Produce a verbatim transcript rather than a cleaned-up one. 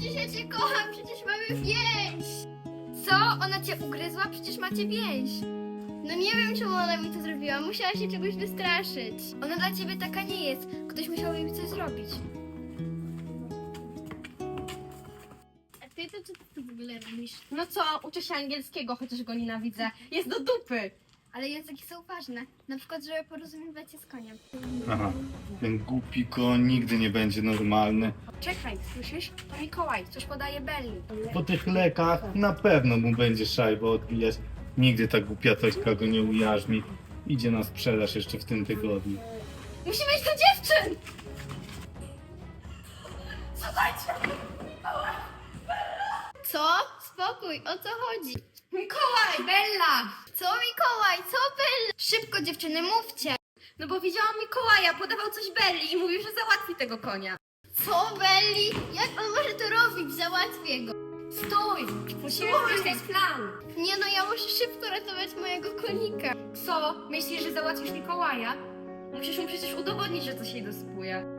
przecież ja cię kocham, przecież mamy więź! Co? Ona cię ugryzła? Przecież macie więź! No nie wiem, czemu ona mi to zrobiła, musiała się czegoś wystraszyć. Ona dla ciebie taka nie jest, ktoś musiał jej coś zrobić. A ty to co ty w ogóle robisz? No co, uczę się angielskiego, chociaż go nienawidzę. Jest do dupy. Ale języki są ważne, na przykład, żeby porozumiewać się z koniem. Aha, ten głupi koń nigdy nie będzie normalny. Czekaj, słyszysz? To Mikołaj, coś podaje Belli. Po tych lekach na pewno mu będzie szajba odbijać. Nigdy ta głupia Tośka go nie ujarzmi. Idzie na sprzedaż jeszcze w tym tygodniu. Musimy iść do dziewczyn! Co? Spokój, o co chodzi? Mikołaj, Bella! Co Mikołaj, co Bella? Szybko dziewczyny, mówcie! No bo widziałam Mikołaja, podawał coś Belli i mówił, że załatwi tego konia. Co Belli? Jak on może to robić? Załatwię go. Stój! Musimy wymyślić plan. Nie no, ja muszę szybko ratować mojego konika. Co? Myślisz, że załatwisz Mikołaja? Musisz mu przecież udowodnić, że coś jej dosypuje.